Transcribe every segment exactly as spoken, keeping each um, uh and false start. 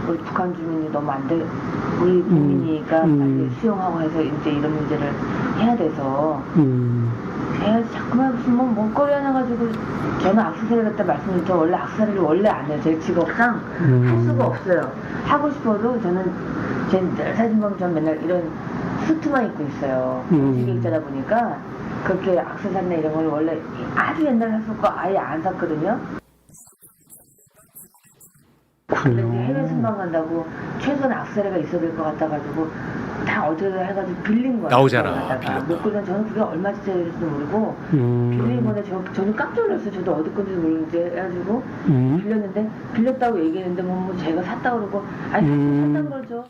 우리 북한 주민이 너무 안 돼. 우리 국민이가 음. 빨리 수용하고 해서 이제 이런 문제를 해야 돼서 음. 해야지 자꾸만 무슨 뭐 먹거리 하나 가지고 저는 악세사리 갖다 말씀드린 저 원래 악세사리를 원래 안 해요. 제 직업상 음. 할 수가 없어요. 하고 싶어도 저는 제 사진 보면 전 맨날 이런 수트만 입고 있어요. 음. 기획자다 보니까 그렇게 악세사리나 이런 걸 원래 아주 옛날에 샀었고 아예 안 샀거든요. 근데 이제 해외 순방 간다고 최소한 악세사리가 있어야 될 것 같아가지고 다 어떻게 해가지고 빌린 거예요. 나오잖아, 빌렸다가. 못 그러면 저는 그게 얼마짜리 될지도 모르고 음. 빌린 건데 저, 저는 깜짝 놀랐어요. 저도 어디 건지 모르는데 해가지고 음. 빌렸는데 빌렸다고 얘기했는데 뭐, 뭐 제가 샀다고 그러고 아니 음. 샀다는 거죠.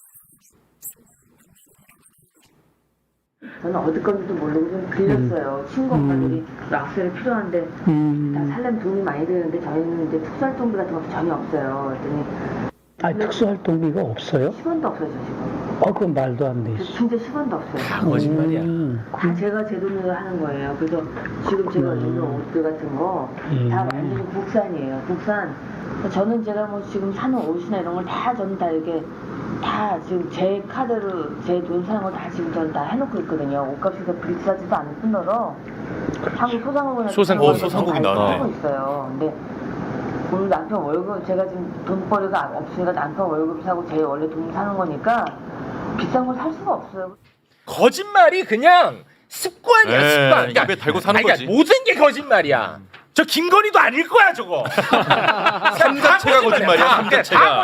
저는 어디 건지도 모르고 좀 빌렸어요. 친구 엄마들이 악세사리 필요한데 다 음. 살려면 돈이 많이 드는데 저희는 이제 특수활동비 같은 것도 전혀 없어요. 그랬더니 아, 특수활동비가 없어요? 십 원도 없어요, 저 지금. 어, 그건 말도 안 돼. 진짜 십 원도 없어요. 다 거짓말이야. 음. 다 제가 제 돈으로 하는 거예요. 그래서 지금 제가 입는 옷들 같은 거 다 음. 완전히 국산이에요. 국산. 저는 제가 뭐 지금 사는 옷이나 이런 걸 다 저는 다 이렇게 다 지금 제 카드로 제 돈 사는 거 다 지금 저는 다 해놓고 있거든요. 옷값이 더 비싸지도 않을 뿐더러 한국 소상공인 소상- 어, 소상공인 나왔네. 하고 있어요. 근데 오늘 남편 월급 제가 지금 돈벌이가 없으니까 남편 월급 사고 제 원래 돈 사는 거니까 비싼 걸 살 수가 없어요. 거짓말이 그냥 습관이야 네, 습관. 입에 달고 사는 아니, 그러니까 거지. 모든 게 거짓말이야. 저 김건희도 아닐 거야 저거. 삼 자체가 거짓말이야, 삼 자체가.